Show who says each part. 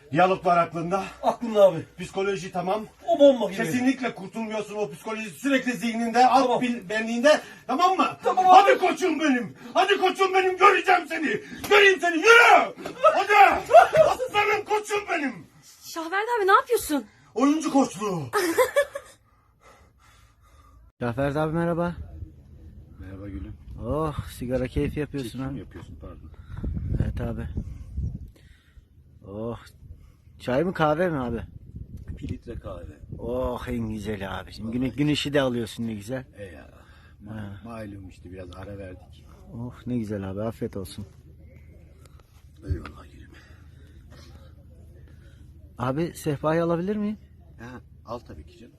Speaker 1: Diyalog var aklında.
Speaker 2: Aklımda abi.
Speaker 1: Psikoloji tamam.
Speaker 2: O bomba gibi.
Speaker 1: Kesinlikle kurtulmuyorsun o psikoloji sürekli zihninde, alt
Speaker 2: Tamam.
Speaker 1: benliğinde. Tamam mı?
Speaker 2: Tamam abi.
Speaker 1: Hadi koçum benim. Hadi koçum benim. Göreceğim seni. Göreyim seni. Yürü. Hadi. Aslanım koçum benim.
Speaker 3: Şahverdi abi ne yapıyorsun?
Speaker 1: Oyuncu koçluğu.
Speaker 4: Cafer abi merhaba.
Speaker 5: Merhaba gülüm.
Speaker 4: Oh sigara keyfi yapıyorsun
Speaker 5: Çekim
Speaker 4: abi.
Speaker 5: yapıyorsun pardon.
Speaker 4: Evet abi. Oh. Çay mı kahve mi abi?
Speaker 5: 1 litre kahve.
Speaker 4: Oh en güzel abi. Şimdi güneşi de alıyorsun ne güzel.
Speaker 5: Ya. Malum işte biraz ara verdik.
Speaker 4: Oh ne güzel abi afiyet olsun.
Speaker 5: Eyvallah gülüm.
Speaker 4: Abi sehpayı alabilir miyim?
Speaker 5: Ha, al tabii ki canım.